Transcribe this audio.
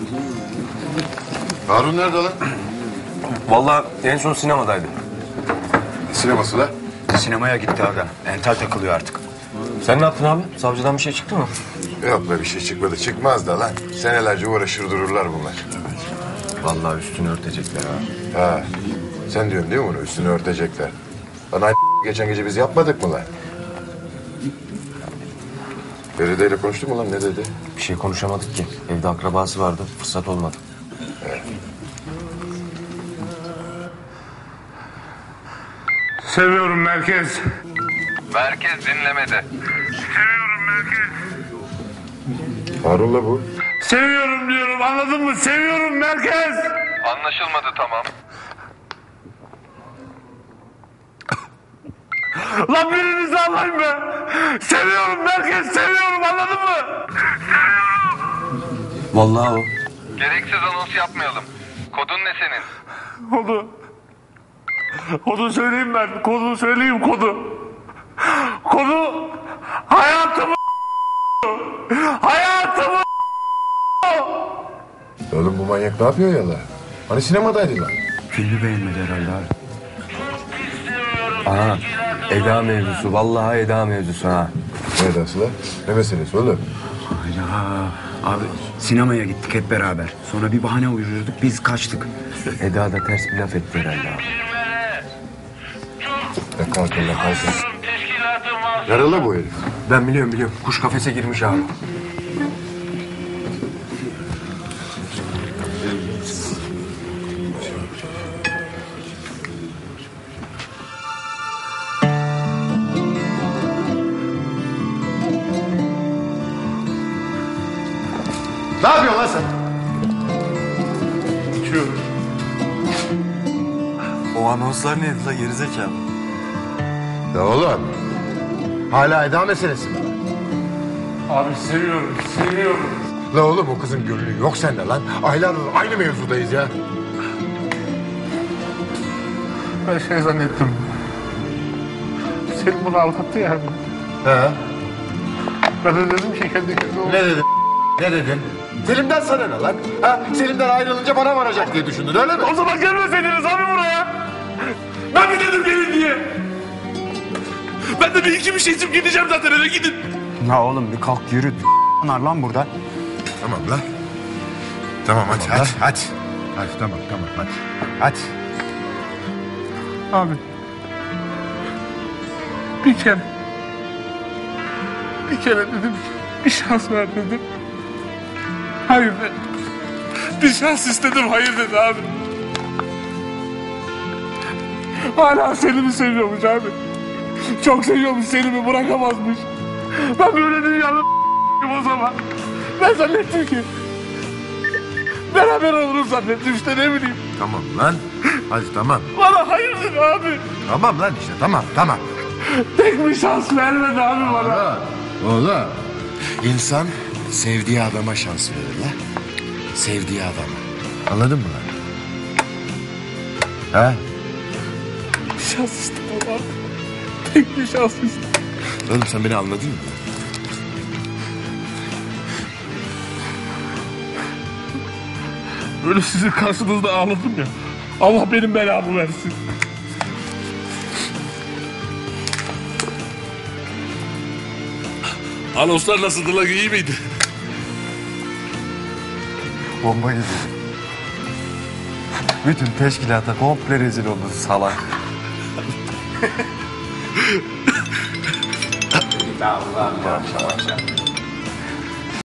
Harun nerede lan? Vallahi en son sinemadaydı. Sineması da. Sinemaya gitti aga. Entel takılıyor artık. Sen ne yaptın abi? Savcıdan bir şey çıktı mı? Yok be bir şey çıkmadı. Çıkmaz da lan. Senelerce uğraşır dururlar bunlar. Vallahi üstünü örtecekler ha. Ha. Sen diyorsun değil mi bunu? Üstünü örtecekler. Lan aynı geçen gece biz yapmadık mı lan? Feride ile konuştun mu lan? Ne dedi? Bir şey konuşamadık ki. Evde akrabası vardı. Fırsat olmadı. Seviyorum merkez. Merkez dinlemede. Seviyorum merkez. Harun'la bu. Seviyorum diyorum, anladın mı? Seviyorum merkez. Anlaşılmadı, tamam. Lan birinizi alayım be. Seviyorum merkez, seviyorum, anladın mı? Vallahi o. Gereksiz anons yapmayalım. Kodun ne senin? Kodu söyleyeyim ben. Kodu söyleyeyim, kodu. Kodu hayatımı hayatımı. Oğlum bu manyak ne yapıyor ya lan? Hani sinemadaydı lan? Filmi beğenmedi herhalde abi. Aha. Eda mevzusu. Vallahi Eda mevzusu ha. Ne edası lan? Ne meselesi oğlum? Hayda. Abi sinemaya gittik hep beraber. Sonra bir bahane uydurduk biz kaçtık. Eda da ters bir laf etti herhalde abi. Ya kalkın lan kalkın. Yaralı bu herif. Ben biliyorum. Kuş kafese girmiş abi. Ne yapıyorsun lan sen? İçiyorum. O anonslar neydi la gerizekalı? Ya oğlum. Hala Eda meselesi mi? Abi seviyorum, seviyorum. La oğlum o kızın gönlü yok sende lan. Aylardır aynı mevzudayız ya. Ben şey zannettim. Senin bunu aldattı yani. He. Ben de dedim ki kendi kendine Ne dedin? Ne dedin? Selim'den sana ne lan? Ha? Selim'den ayrılınca bana varacak diye düşündün öyle mi? O zaman gelmeseydiniz abi buraya. Ben mi dedim gelin diye? Ben de bir iki bir şey içip gideceğim zaten, eve gidin. Ya oğlum bir kalk yürü. Onlar lan burada. Tamam lan. Tamam hadi hadi. Hadi tamam hadi. Hadi. Abi. Bir kere dedim bir şans ver dedim. Hayır dedi. Bir şans istedim, hayır dedi abi. Hala Selim'i seviyormuş abi. Çok seviyormuş Selim'i, bırakamazmış. Ben böyle dünyanın o zaman. Ben zannettim ki beraber oluruz zannettim işte, ne bileyim. Tamam lan. Hadi tamam. Bana hayır dedi abi. Tamam lan işte tamam. Tek bir şans vermedi abi bana. Oğlum. İnsan sevdiği adama şans verir lan. Sevdiği adama. Anladın mı lan? Ha? Bir şans istedim abi. Tek bir şans istedim. Oğlum sen beni anladın mı? Böyle sizin karşınızda ağladım ya. Allah benim belamı versin. Anonslar nasıldı lan, iyi miydi? Bomba gibi. Bütün teşkilata komple rezil oldu salak. Allah.